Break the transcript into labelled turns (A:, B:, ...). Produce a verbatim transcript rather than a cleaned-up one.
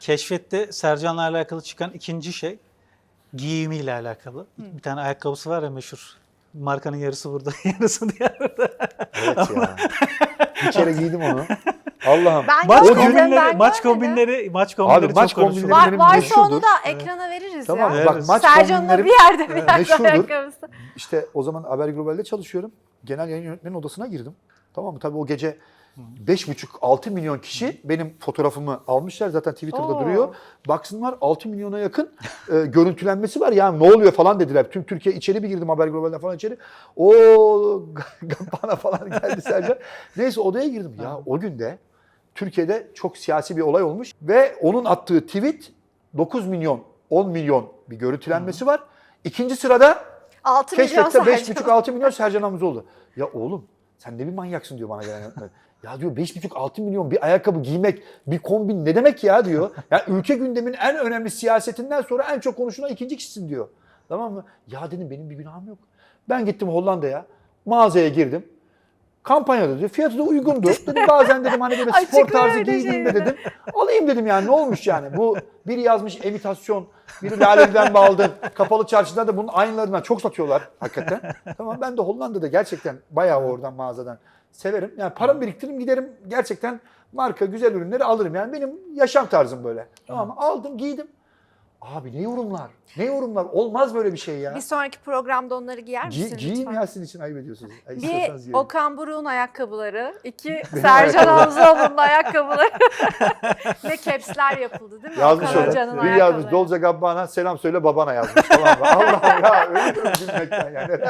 A: Keşfette Sercan'la alakalı çıkan ikinci şey giyimiyle alakalı. Hı. Bir tane ayakkabısı var ya meşhur. Markanın yarısı burada, yarısı diğerde.
B: Evet ya. Bir kere giydim onu. Allah'ım.
C: Ben
A: Maç
C: görmedim,
A: kombinleri,
C: ben
A: maç
C: görmedim.
A: kombinleri, maç kombinleri
B: Abi, maç
A: çok konuşulur.
B: kombinleri
C: Var,
B: benim
C: varsa
B: meşhurdur.
C: onu da ekrana veririz
B: Tamam
C: ya.
B: mı? Bak,
A: Evet.
B: maç
C: Sercan'la
B: kombinlerim
C: bir yerde bir yerde
B: meşhurdur.
C: ayakkabısı.
B: İşte o zaman Haber Global'de çalışıyorum. Genel yayın yönetmenin odasına girdim. Tamam mı? Tabii o gece beş buçuk altı milyon kişi benim fotoğrafımı almışlar. Zaten Twitter'da
C: Oo.
B: duruyor. Baksınlar altı milyona yakın e, görüntülenmesi var. Yani ne oluyor falan dediler. Tüm Türkiye içeri bir girdim Haber Global'den falan içeri. O bana falan geldi Sercan. Neyse odaya girdim. Ya o günde Türkiye'de çok siyasi bir olay olmuş ve onun attığı tweet dokuz milyon, on milyon bir görüntülenmesi var. İkinci sırada
C: altı milyon
B: Keşfette beş
C: Sercan.
B: buçuk altı milyon Sercan Hamzoğlu. Ya oğlum sen ne bir manyaksın diyor bana gelen yönetmen. Ya diyor beş buçuk altı milyon bir ayakkabı giymek, bir kombin ne demek ya diyor. Yani ülke gündeminin en önemli siyasetinden sonra en çok konuşulan ikinci kişisin diyor. Tamam mı? Ya dedim benim bir günahım yok. Ben gittim Hollanda'ya, mağazaya girdim. Kampanyada diyor. Fiyatı da uygundu. Dedim bazen dedim hani böyle spor
C: Açıklar
B: tarzı
C: öyle
B: giydim de
C: şeyleri.
B: dedim. Alayım dedim yani ne olmuş yani. Bu biri yazmış imitasyon, biri Lale'den mi aldın? Kapalı çarşıda da bunun aynılarından çok satıyorlar hakikaten. Tamam ben de Hollanda'da gerçekten bayağı oradan mağazadan severim. Yani paramı biriktiririm giderim gerçekten marka güzel ürünleri alırım. Yani benim yaşam tarzım böyle. Tamam mı? Aldım giydim. Abi ne yorumlar? Ne yorumlar? Olmaz böyle bir şey ya.
C: Bir sonraki programda onları giyer misin
B: Gi giyeyim
C: lütfen?
B: ya sizin için ayıp ediyorsunuz. Ay, istiyorsanız
C: Bir
B: giyelim.
C: Okan Buruk'un ayakkabıları, iki
B: Benim
C: Sercan
B: ayakkabılarım.
C: Hamzoğlu'nun ayakkabıları. Ne caps'ler yapıldı değil mi?
B: Yazmış
C: Okan
B: öyle.
C: Hoca'nın
B: Bir yazmış
C: ayakkabıları.
B: Dolce Gabbana selam söyle babana yazmış. Tamam mı? Allah ya ölüyorum gülmekten yani.